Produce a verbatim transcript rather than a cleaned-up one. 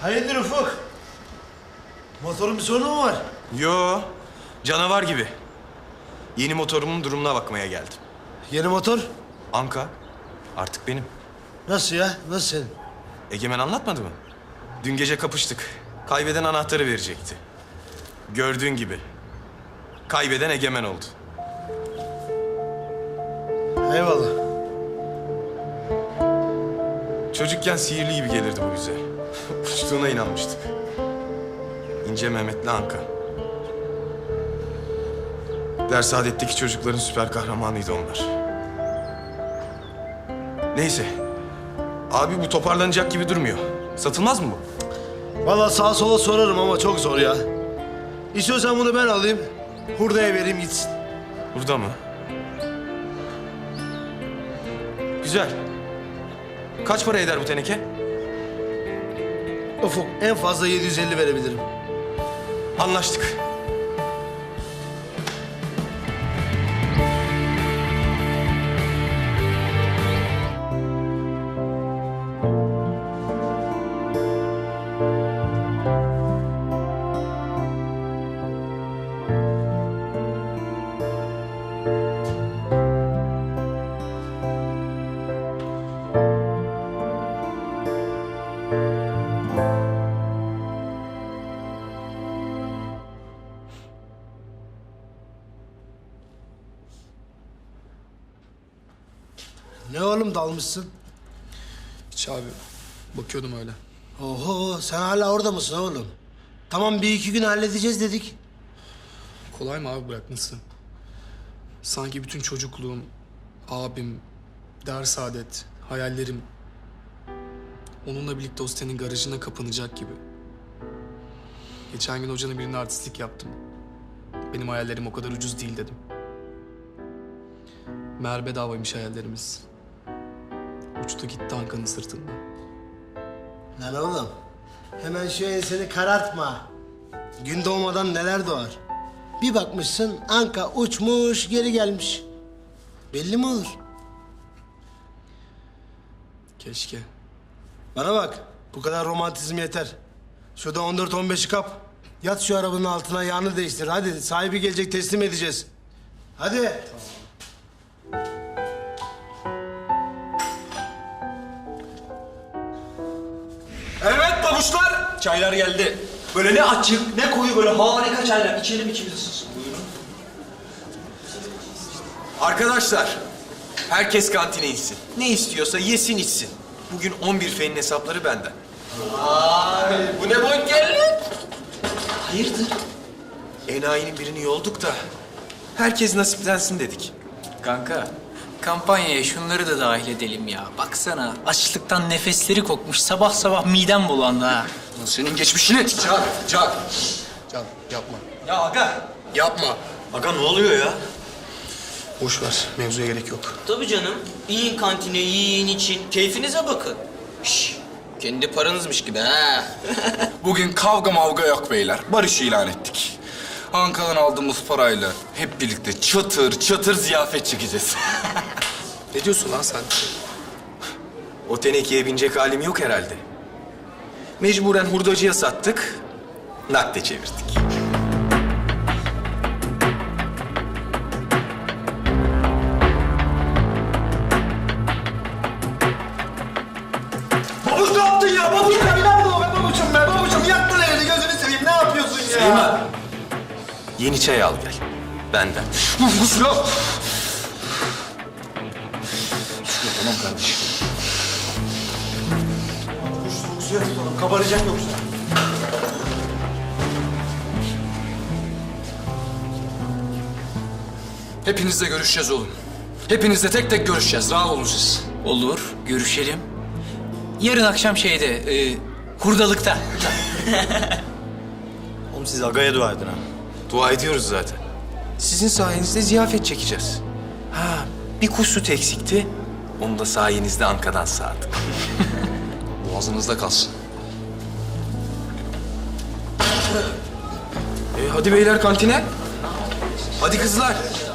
Hayırdır Ufuk? Motorun bir sorunu mu var? Yo, canavar gibi. Yeni motorumun durumuna bakmaya geldim. Yeni motor? Anka, artık benim. Nasıl ya? Nasıl senin? Egemen anlatmadı mı? Dün gece kapıştık. Kaybeden anahtarı verecekti. Gördüğün gibi. Kaybeden Egemen oldu. Eyvallah. Çocukken sihirli gibi gelirdi bu bize. Uçtuğuna inanmıştık. İnce Mehmet'le Anka. Dersaadetteki çocukların süper kahramanıydı onlar. Neyse. Abi bu toparlanacak gibi durmuyor. Satılmaz mı bu? Vallahi sağa sola sorarım ama çok zor ya. İstiyorsan bunu ben alayım. Hurdaya vereyim gitsin. Burada mı? Güzel. Kaç para eder bu teneke? Ufuk en fazla yedi yüz elli verebilirim. Anlaştık. Ne oğlum dalmışsın? Hiç abi. Bakıyordum öyle. Oho sen hala orada mısın oğlum? Tamam bir iki gün halledeceğiz dedik. Kolay mı abi bırakması? Sanki bütün çocukluğum, abim, ders adet, hayallerim... onunla birlikte o sitenin garajına kapanacak gibi. Geçen gün hocanın birine artistlik yaptım. Benim hayallerim o kadar ucuz değil dedim. Meğer bedavaymış hayallerimiz. Uçtu gitti Ankara'nın sırtında. Lan oğlum hemen şu enseni karartma. Gün doğmadan neler doğar. Bir bakmışsın Anka uçmuş geri gelmiş. Belli mi olur? Keşke. Bana bak bu kadar romantizm yeter. Şurada on dört on beşi kap. Yat şu arabanın altına yağını değiştir. Hadi sahibi gelecek teslim edeceğiz. Hadi. Evet babuşlar. Çaylar geldi. Böyle ne açık ne koyu böyle harika çaylar. İçelim içimiz ısınsın. Buyurun. Arkadaşlar, herkes kantine insin. Ne istiyorsa yesin içsin. Bugün on bir fenin hesapları benden. Ay bu ne bonkörlük. Hayırdır? Enayinin birini yolduk da herkes nasiplensin dedik. Kanka, kampanyaya şunları da dahil edelim ya. Baksana, açlıktan nefesleri kokmuş. Sabah sabah midem bulandı ha. Senin geçmişini. Can, Can. Can yapma. Ya aga. Yapma. Aga ne oluyor ya? Boş ver. Mevzuya gerek yok. Tabii canım. İyin kantine, yiyin için. Keyfinize bakın. Şş, kendi paranızmış gibi ha. Bugün kavga mavga yok beyler. Barış ilan ettik. Ankara'dan aldığımız parayla hep birlikte çatır çatır ziyafet çekeceğiz. Ne diyorsun lan sen? O tenekeye binecek halim yok herhalde. Mecburen hurdacıya sattık, nakde çevirdik. Babuş ne yaptın ya? Babuş ya nerede o be babuçum be? Babuçum yaktın evini gözünü seveyim. Ne yapıyorsun ya? Süleyman, yeni çay al gel. Benden. Babuş ya. Tamam kardeşim. Babuş soğuk suya tutalım. Kabaracak yoksa. Hepinizle görüşeceğiz oğlum. Hepinizle tek tek görüşeceğiz. Rahat olun siz. Olur, görüşelim. Yarın akşam şeyde, e, hurdalıkta. Oğlum siz agaya dua edin ha. Dua ediyoruz zaten. Sizin sayenizde ziyafet çekeceğiz. Ha, bir kuş süt eksikti. Onu da sayenizde Ankara'dan sağdık. Boğazınızda kalsın. E, hadi beyler kantine. Hadi kızlar.